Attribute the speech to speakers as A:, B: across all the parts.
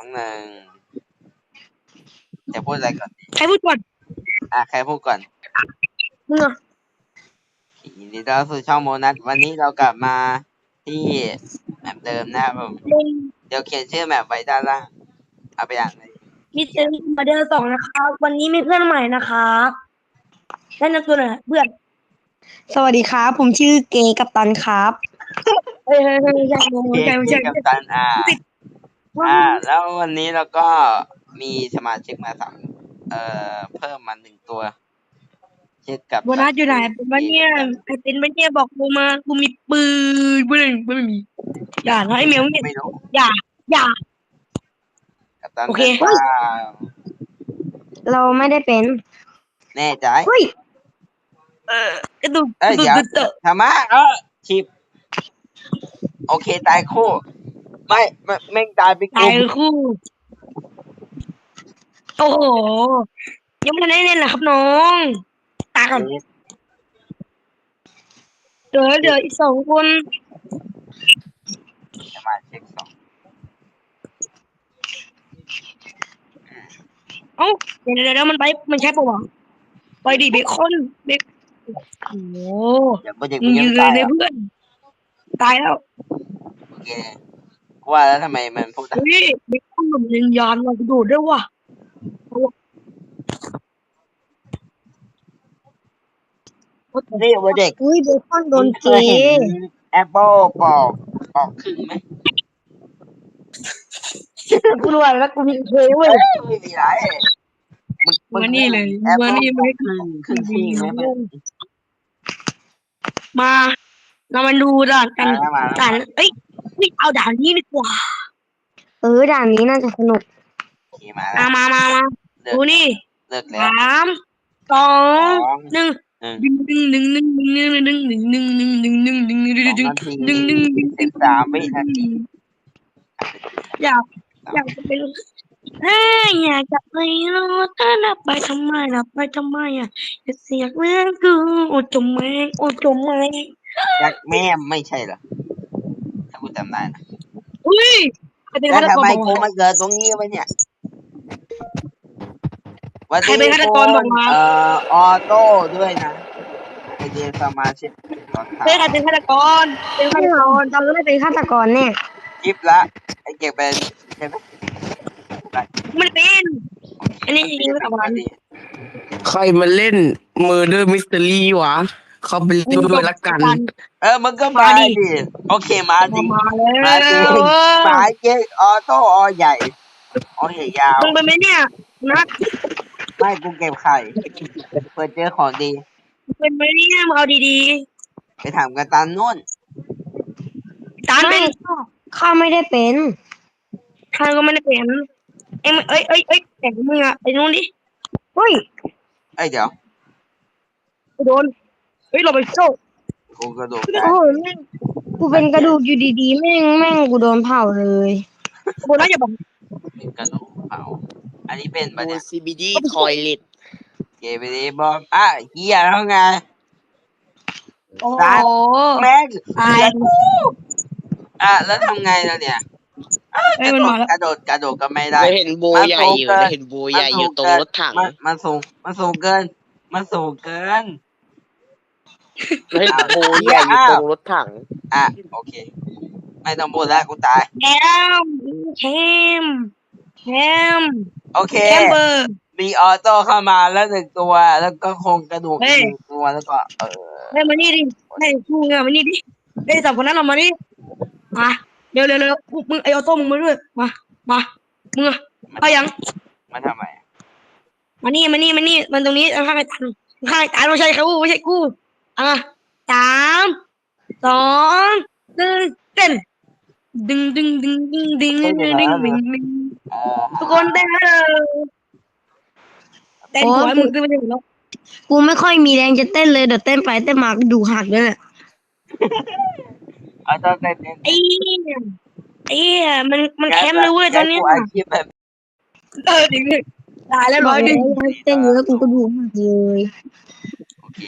A: 1จะพูดอะไรก่อนดี
B: ใครพูดก่อน
A: ใครพูดก่อน
B: มึงอ่ะ
A: ยินดีต้อนรับสู่ช่องโมนัสวันนี้เรากลับมาที่แมปเดิมนะครับผมเดี๋ยวเขียนชื่อแมปไว้ด้านล่างเอาไปอ่านเลย
B: มิสเตอร์มาเดอร์2นะครับวันนี้มีเพื่อนใหม่นะครับแนะนำตัวหน่อยเพื่อน
C: สวัสดีครับผมชื่อเกกัปตันครับ
B: เฮ้ยใช่
A: เกกับตันแล้ววันนี้เราก็มีสมาชิกมาเพิ่มมา1 ตัวชื่อกับ
B: โบนัสอยู่ไหนเป็นวันเนี่ยไอ้เป็นวันเนี่ยบอกกูมากูมีปืนไม่มีอย่านะไอ้เมียวเนี่ย
A: ไม่รู้
B: อย่า
A: กับตัน
B: โอเค
C: เราไม่ได้เป็น
A: แน่ใจ
C: เฮ้ย
B: กระดูก
A: เดี๋ยวธรรมะชิปโอเคตายคู่ไม่แม่งตายไป
B: ตายคู่โอ้โหยังไม่ได้เล่นเหรอครับน้องตายก่อนเดี๋ยวอีก2 คน
A: สมาชิก2
B: เอ้าเดี๋ยวมันใช่ปะวะไปดิเบคอนโอ้โห
A: เดี๋ยวโปรเจกต์
B: มึ
A: มึ
B: ง
A: ง
B: ยื
A: ยัง
B: น
A: ตาย
B: เลยเพื่อนตายแล้ว
A: โอเคกูว่าแล้วทำไมมันพูด
B: เฮ้ยเบคอนแบบยิงยานเรากระโดดด้วยว่ะ
A: นี่โปรเจกต์
C: อุ้ยเบคอนโดนเก
A: แอปเปิลปอกครึ่งไหม
B: กูรวยแล้วกูมีเคเว้ย
A: ไม่มีไรมึง
B: มานี่เลย
A: แอปเปิ
B: มา
A: ล
B: นี่
A: ป
B: มา
A: อกครึ่งที่ไหม
B: มาเรามาดูด่านกัน
A: มา
B: ด่านเอ้ยเอาด่านนี้ดีกว่า
C: ด่านนี้น่าจะสนุก
A: โอเคมาแล้ว
B: มาดูนี่
A: เลิกแล้ว
B: 3 2 1
A: 2 นาที 13 วินาที
B: อยากจะเป็นอยากจะไปรู้ถ้านับไปทำไมอ่ะจะเสียเรื่องกูโอ้จมไหม
A: ยักษ์แม่ไม่ใช่เหรอถ้ากูจำได้นะ
B: อุ้ย
A: แล้วทำไมกูมาเกิดตรงนี้วะเนี่ยวัน
B: ใคร
A: นี้
B: เป็นฆาตกรบอกมา
A: ออโต้ด้วยนะไอเดียสมาชิก
B: ใครเป็นฆาตกร
C: เราไม่ได้เป็นฆาตกรเนี่ย
A: คลิปละไอเก็บเป็นใช่ไหม
B: ไม่เป็นอันนี้จริงๆไม่เอาวัน
D: ใครมาเล่น Murder Mystery วะ เขาไปเล่นด้วยละกัน
A: มึงก็มาดิโอเคมาดิ
B: มาแล้
A: มาดิ
B: ว
A: มาเจ๊ออโต้อใหญ่อใหญ่ยาว
B: มึงเป็นไหมเนี่ยนะ
A: ไม่กูเก็บไข่เพื่อเจอของดี
B: เป็นไหมเนี่ยมึงเอาดี
A: ไปถามกันตันนู่น
B: ๆตามเป็น
C: ข้าไม่ได้เป็น
B: ทางก็ไม่ได้เป็นเอ้ยแต่มึงอะไอ้นู้นดิ
C: เฮ้ย
A: เดี๋ยว
B: โดนเราไปโซ่
A: กูกระโดด
C: โอ้โหแม่งกูเป็นกระดูกอยู่ดีๆแม่งกูโดนเผาเลย
B: โบนัสอย่าบอก
A: เป็นกระโดดเผาอันนี้เป็นปะเนี่ย
D: CBD Toilet
A: เกไปดิบอมเฮียแล้วไง
B: โอ้
A: แม่ง
B: ตาย
A: แล้วทำไงแล้วเนี่ย
B: ไม่มันมาแล้ว
A: กระโดดก็ไม่ได้
D: เราเห็นโบใหญ่อยู่เราเห็นโบใหญ่อยู่ตรงรถถัง
A: มันสูงเกิน
D: เราเห็นโบใหญ่อยู่ตรงรถถัง
A: โอเคไม่ต้องพูดแล้วกูตาย
B: แคม
A: โอเค
B: แคมเบอร์
A: มีออโต้เข้ามาแล้ว1 ตัวแล้วก็คงกระดูกอีก1 ตัวแล้วก็
B: เฮ้ยมานี่ดิให้กูเนี่ยมานี่ดิไอ้2 คนนั้นเรามานี่มาเร็วมึงไอออโต้มึงมาด้วยมามึงเอายัง
A: มันทำไม
B: มานี่มันตรงนี้ข้างไอ้ตันไม่ใช่เขาไม่ใช่กู3 2 1เต้นดึงทุกคนเต้นเต้นหัวมึงขึ้นมาถึงแล้ว
C: กูไม่ค่อยมีแรงจะเต้นเลยเดี๋ยวเต้นไปเต้นมาดูหักเลยแหละ
A: เอาต้องเต้น
B: ไอ้มันแคมเลยเว้ยตอนนี้
A: กูอาชีพแบบ
B: ดิตายแล้ว
C: บ
B: ร้
C: อ
B: อก ย
C: เล
B: ดิ
C: ยเต้นเยอะกูก็ดูหักเลย
A: โอเค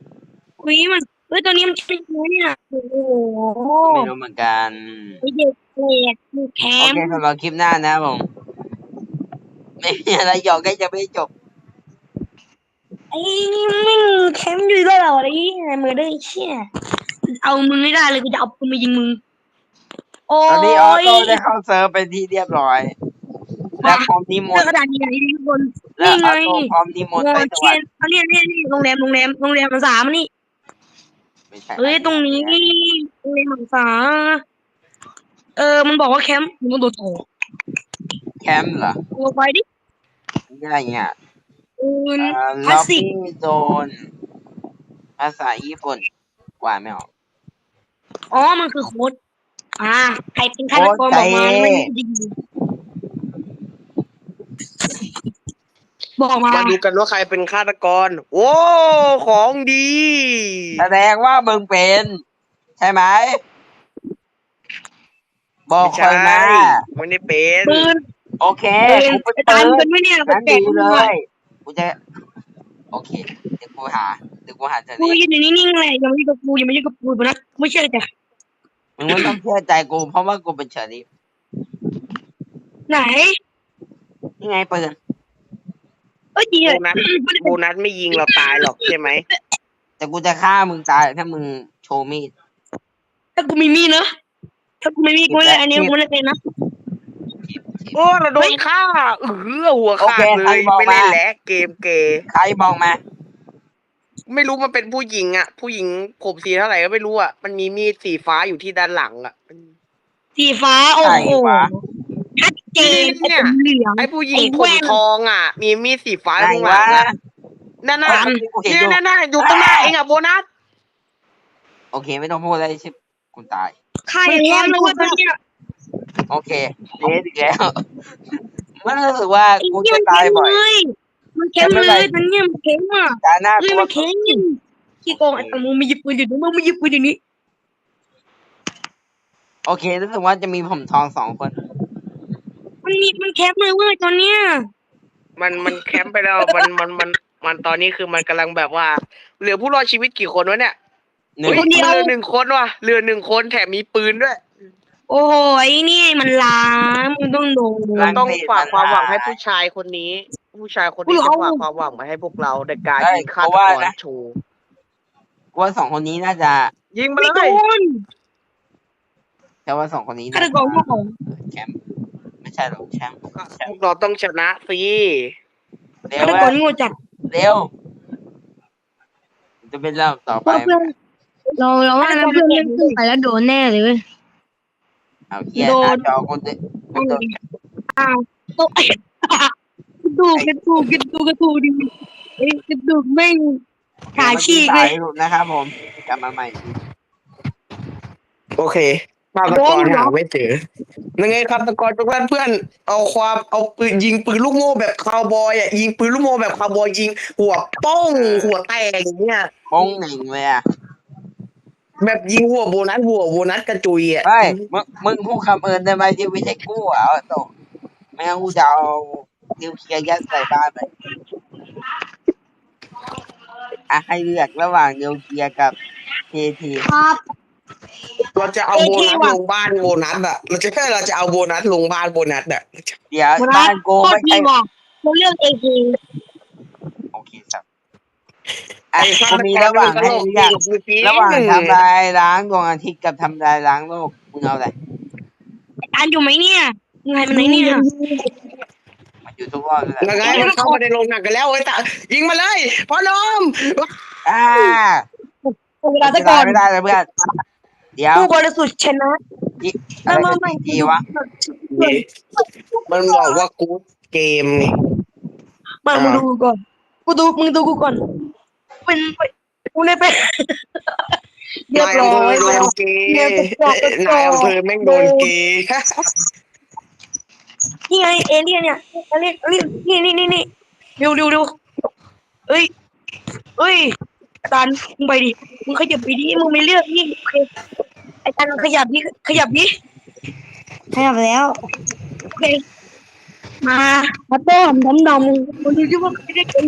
B: มันตอนนี้มันเป็นยังไงเนี่ยโอ้โห
A: ไม่รู้เหมือนกัน
B: ไอเด็กเอกแค
A: โอ
B: ม
A: เคสำหรับคลิปหน้านะครับผม ไม่มีอะไรหยอกใกล้จะไม่จบ
B: ไอ้ไม่แคมอยู่ด้วยเหรอไอ้มือได้เชี่ยเอามึงไม่ได้เลยกูจะเอาปืนมายิงมึงโอ้
A: ตอนนี้ออโต้
B: ย
A: ได้เข้าเซิร์ฟเป็นที่เรียบร้อย และพร้อมนิม
B: เรื่อน ง
A: ต์
B: กระดาษใหญ่ๆทุกคน
A: และ
B: นี่
A: อ
B: ไง
A: อโต้พร้อมนิมนต์ไปส
B: เชี
A: วย ร
B: น
A: ค์
B: เอาเนี่ยโรงแรม3นี่
A: ไม่ใช่
B: เฮ้ยตรงนี้โรงแรมสามันบอกว่าแคมป์มึงโดดโถ
A: แคมป์เหรอ
B: ตัวไปดิ
A: อะไรเงี้ย
B: ปืนคลา
A: ล็
B: ส
A: อบ
B: สิ
A: บี้
B: ก
A: โซนภาษาญี่ปุ่นกว่าไม่ออก
B: อ๋อมันคือโค้ดใครเป็นฆาตกรบอกมาไม่ดีบอกมา
D: มาดูกันว่าใครเป็นฆาตกร โอ้ของดี
A: แสดงว่ามึงเป็น ใช่ไหม บอก
D: ไม่
A: คอย
D: ใช่
A: มา
D: ไม่ได้เป็น
B: ปืน
A: โอเค กูเป็น
B: ตา
A: ปื
B: มกัน นไหมเนี่ย
A: งั้น
B: แปล
A: ดี
B: กๆ
A: เล
B: ด้วย
A: ย กูจะ โอเค เดี๋ยวกูหาเจอ
B: กู
A: นี้
B: ยืนอยู่นิ่งๆเลยอย่ามายุ่งกับกูนะไม่เชื่อจ้ะ
A: มึงไม่ต้องเชื่อใจกู เพราะว่ากูเป็นเชอรี่
B: ไหน
A: นี่ไงปืน
B: ดีเลย
D: โบนัสไม่ยิงเราตายหรอกใช่ไหม
A: แต่กูจะฆ่ามึงตายถ้ามึงโชว์มีด
B: ถ้ากูมีมีดนะถ้ากูไม่มีกูไม่เลยอันนี้กูไม่ได้เป็นนะ
D: โอ้เราโดนฆ่าหัวขาดเลยไม่เล่นแล้วเกมเกย์
A: ใครบอกมา
D: ไม่รู้มันเป็นผู้หญิงอ่ะ ผู้หญิงผมสีเท่าไหร่ก็ไม่รู้อ่ะมันมีมีดสีฟ้าอยู่ที่ด้านหลังอ่ะ
B: สีฟ้าโอ้โหชัดเจน
D: เนี่ย
B: เหลือง
D: ไอ้ผู้หญิง
B: ไอ้
D: ผ
B: แว่
D: ม
B: น
D: ทองอ่ะ มีมีดสีฟ้า
A: ไหน
D: ข้างหลั
A: วะ
D: งอ่ะนั่นน่ะ
A: กูเห็น
D: เนี่ย
A: อยู่
D: นั่นอยู่ตรงหน้าเองอ่ะโบนัส
A: โอเค ไม่ต้องพูดอะไรชิบกูตาย
B: ใครแคมป์เลยว่าเนี่ย
A: โอเคเดทอีกแล้ว มันรู้สึกว่ากูจะตายบ่อย
B: มันแคมป์เลยมันเนี่ยมันแคมป์อ่ะ
A: ตาหน้า
B: เฮ้
A: กู
B: ยมันแคมป์ขี้โกงไอ้มึงมีหยิบปืนอยู่นี่มึงมีหยิบปืนอยู่นี่
A: โอเครู้สึกว่าจะมีผมทอง2 คน
B: มันแคปเลยเว้ยตอนเนี้ย
D: มันแคมป์ไปแล้วมันตอนนี้คือมันกำลังแบบว่า เหลือผู้รอดชีวิตกี่คนวะเนี่ย
A: หนึ่ง
D: เฮ้ยเหลือ1 คนว่ะเหลือ1 คนแถมมีปืนด้วย
B: โอ้ยนี่มันล้างมึงต้องโดน
D: เราต้องฝากความหวังให้ผู้ชายคนนี้ ผู้ชายคนนี้จะฝากความหวังมาให้พวกเราในการยิงฆาตกรโชว์
A: กูว่า2 คนนี้น่าจะ
D: ยิงมา
B: ไม่
D: เล
B: โด
D: ย
B: น
A: แต่ว่า2 คนนี้
B: ฆา
A: น่า
B: ตกรโง่
A: แชมป์ไม่ใช่หรอกแชมป์
D: พวกเราต้องชนะสิ
A: เร็
B: ฆาว ตก
A: ว่ะ
B: รโง่จัด
A: เร็วจะเป็นเรื่องต่อไป
C: เพื่อนเราว่านะเพื่อนเล่นขึ้นไปแล้วโดนแน่เลยเว้ย
A: เอาเฮียหน้าจอกูจะกูจะ
B: อ้าวโต๊ะกระดูกดิไอ้กระดูกแม่งขาฉีกเลย
A: หลุดนะครับผมกลับมาใหม่
D: โอเคฆาตกรหาไม่เจอยังไงฆาตกรทุกท่านเพื่อนเอาปืนยิงปืนลูกโม่แบบคาวบอยอ่ะยิงปืนลูกโม่แบบคาวบอยยิงหัวป้องหัวแตกอย่างเงี้ย
A: ป้องหนึ่งเลยอ่ะ
D: แบบยิงหัวโบนัสกระจุยอ่ะ
A: เฮ้ยมึงพูดคำเอิญได้ไหมที่ไม่ใช่กู้อ่ะโตไม่งั้นกูจะเอานิวเคลียร์ยัดใส่บ้านไปให้เลือกระหว่างนิวเคลียร์กับที
C: ครับ
D: เราจะเอาโบนัสลงบ้านโบนัสอ่ะเราจะเอาโบนัสลงบ้านโบนัสอ่ะ
A: เดี๋ยวบ้านกู
B: โคต
A: ไม่
B: รดี
A: ใช่
B: ว่ะเราเลือกเอเค
A: โอเคครับกูมีระหว่างให้เลือกระหว่างทำลายล้างดวงอาทิตย์กับทำลายล้างโลกมึงเอาอะไร
B: อันอยู่ไหมเนี่ยมึงไงมันไหนเนี่ย
A: มันอยู่ทุกรอบเลย
D: ยังไงมันเข้ามาในโรงหนังกันแล้วเว้ยแต่ยิงมาเลยพ่อหนม
B: เวลาตะกอน
A: ไม่ได้เลยเพื่อนเดี๋ยว
B: ผู้บริสุทธิ์ชนะ
A: อะไรทีวะ
D: มันบอกว่ากูเกมไง
B: มามึงดูกูก่อนมึงดูกูก่อนเป็นกูได้เป็นเรียบร้อย
D: โด
B: แล้ว
D: นเกย์นายอำเภอแม่งโดนเกย์
B: นี่ไงเอเลี่ยนเนี่ยเอเลี่ยนนี่ดูเอ้ยตันมึงไปดิมึงขยับไปดิมึงไม่เลือกนี่ไอ้ตันขยับดิ
C: ขยับแล้ว
B: โอเคมาต้มดำคนดูที่ว่าไม่ได้เป็น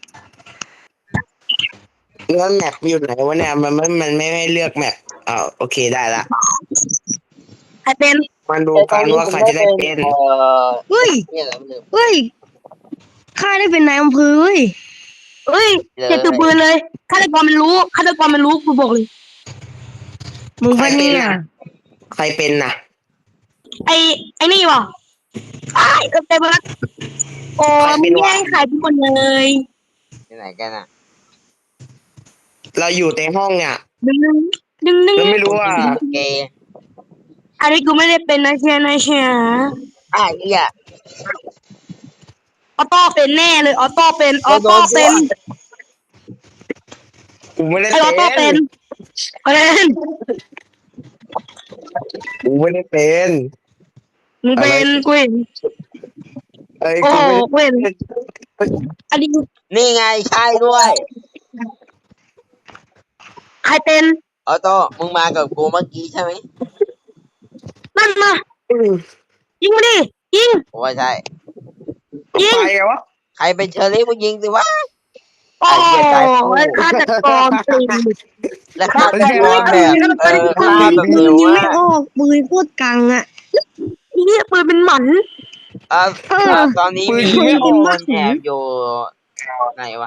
D: แล้วแมปอยู่ไหนวะเนี่ยมันไม่ให้เลือกแมปโอเคได้ละ
B: ใครเป็น
D: มันดู
A: แต่ตอ
D: กัน น
A: นี้
D: ว่า
A: ผม
D: ใคร
A: ได้
D: จะได้
A: เป็น
D: เป็น
C: เฮ้ย
A: เนี่ยอะไรไม่รู้
C: เฮ้ยข้าได้เป็นนายอำเภอเว้ย
B: เอ้ยอย่าถือปืนเลยฆาตกรมันรู้กูบอกเลย
C: มึง
D: ใคร
C: ปะ
D: เป็น
C: เนี่ย
D: น่ะใครเป็นน่ะ
B: ไอ้นี่วะไอ้เต็มแล้วโอ้มึงแย่งขายทุกคนเลย
A: ที่ไหนกันอ่ะ
D: เราอยู่ในห้องเนี่ย
B: ดึง
D: เราไม่รู้ว่า
A: เกย์
B: อันนี้กูไม่ได้เป็นนะเชียร์นะเชียร์
A: เหี้ย
B: ออโต้เป็นแน่เลยออโต้เป็น
D: กูไม่ได้
B: ไอออโต้
D: เป็
B: เป็น น
D: กูไม่ได้เป็น
B: มึงเป็นกูเห็น
D: เอ้ย
B: โอ้
D: กู
B: โห
D: ไม่ได้
B: กูเห็นอันนี้
A: นี่ไงใช่ด้วย
B: ใครเป็น
A: ออโต้มึงมากับกูเมื่อกี้ใช่ไหม
B: นั่นมายิงมาดิยิง
A: ผมว่าใช่
B: ยิง
D: ไปไงวะ
A: ใครเป็นเชอรี่มึงยิงสิวะ
B: โอ้ฆาตกรเป็น
A: และฆ่าตะกอนแบบฆ่าแบบ
C: ปื
A: เร็
C: น
A: ว
C: ยัง
A: มา
C: ไม่
A: ก
C: ออกปืนโคตรกังอ่ะ
B: นี่ปืนเป็นหมัน
A: ตอนนี้มีคนแอบอยู่ไหนวะ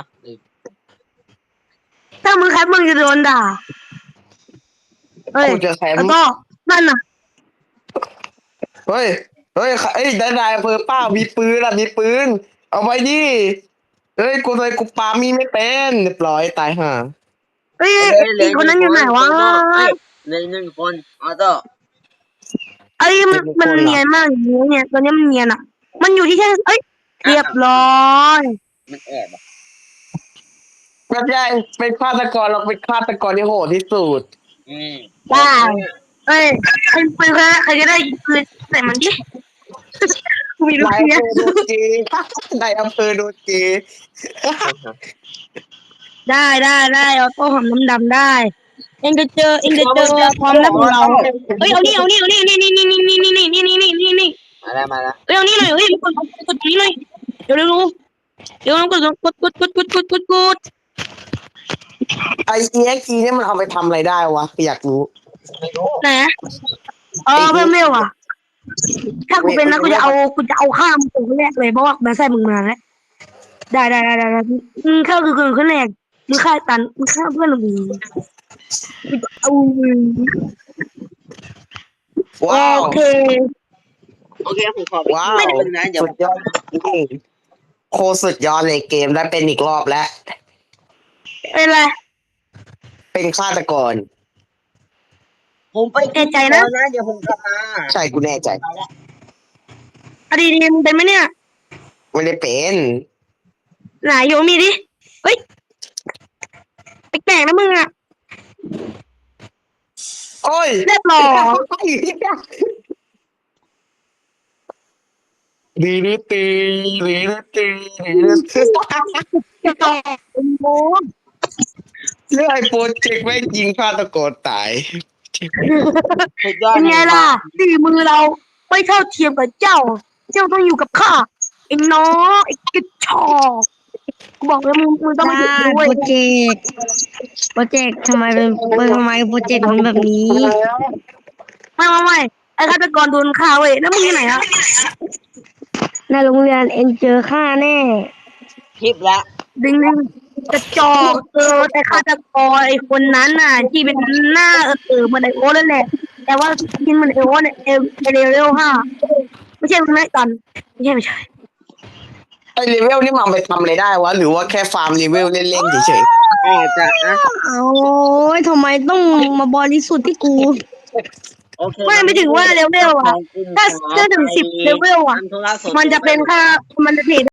B: ถ้ามึงแคปมึงจะโดนด่าเฮ้ย
D: กูจะแคม
B: แล้วก็นั่นน่ะ
D: เฮ้ยนายอำเภอป้ามีปืนอ่ะมีปืน เอาไปดิเฮ้ยกูเลยกูปามีไม่เป็นเรียบร้อยตายห่า
B: เฮ้ยอีกคนนั้นอยู่ไหนวะ
A: เหลือ1 คนออโต้
B: เอ้ยมันเนียนมากอย่างนี้เนี่ยตัวนี้มันเนียนอ่ะ มันอยู่ที่แค่เอ้ยเรียบร้อย
A: มันแอบอ่ะ
D: ไม่ใช่เป็นฆาตกรเราเป็นฆาตกรที่โหดที่สุด
B: ได้เอ้ยใครปืนใครจะได้ปืนใส่มันดิกูมีลูก
D: นาย
B: เนี้ย
D: อำเภอโดนจีนายอำเภอโดนจี
B: ได้เอาโต้หอมน้ำดำได้ เอ็งจะเจอความลับของเราเฮ้ยเอานี่นี่
A: มาแล้ว
B: เอ้ยเอานี่หน่อยเฮ้ยกดตรงนี้หน่อยเดี๋ยวกด
D: ไอเอ็กซ์เนี่ยมันเอาไปทำอะไรได้วะอยากรู้
A: ไม่รู้
B: ไหนเพิ่มเร็วอ่ะถ้ากูเป็นนะกูจะเอาข้ามตัวแรกเลยเพราะว่าแม่ใส่มึงมาแล้วได้มึงเข้าคือคนแรกมึงฆ่าตันมึงฆ่าเพื่อนมึงเอา
D: ว้าว
B: โอเค
A: ผมขอ
D: ว้าว
A: นะเดี๋ยว
D: สุดยอดโคตรสุดยอดเลยเกมได้เป็นอีกรอบแล้ว
B: เป็นไร
D: เป็นฆาตกร
A: ผมไป
B: แน่ใจนะ
A: เดี๋ยวผมกลับมา
D: ใช่กูแน่ใจ
B: อดีมึงเป็นไหมเนี่ย
D: ไม่ได้เป็น
B: ไหนโยมีดิเฮ้ยแปลกๆนะมึงอ่ะ
D: โอ้ย
B: เรียบร้อย
D: ดีดีตีดีดีตีดีดีตี
B: จะต่อโม
D: เรื่องไอ้โปรเจกต์แม่งยิงฆาตกรตาย
A: สุดยอด
B: เป็นไงล่ะฝีมือเราไม่เท่าเทียมกับเจ้าต้องอยู่กับข้าไอ้น้องไอ้กระชอกกูบอกแล้วมึงต้องมาอยู่ด้วย
C: โปรเจกต์ทำไมเป็นทำไมโปรเจกต์มันแบบนี้
B: ไม่ไอ้ฆาตกรโดนฆ่าเว้ยแล้วมึงที่ไหนอะ
C: ในโรงเรียนเอ็นเจอข้าแน่
A: คลิปละ
B: ดึงกระจอกแต่ฆาตกรไอ้คนนั้นน่ะที่เป็นหน้าเหมือนไอโอนั่นแหละแต่ว่ากินเหมือนไอโอเนี่ยเลเวล5ไม่ใช่มึงนะกันไม่ใช่
D: ไอ้เลเวลนี่มันเอาไปทำอะไรได้วะ หรือว่าแค่ฟาร์มเลเวลเล่นๆเฉย
A: อาจจะนะ
C: โอ้ยทำไมต้องมาบริสุทธิ์ที่กู
A: โอเค
B: ไม่ถึงว่าเลเวลอะถ้าถึง10เลเวลอะมันจะเป็นค่ามันจะเทรด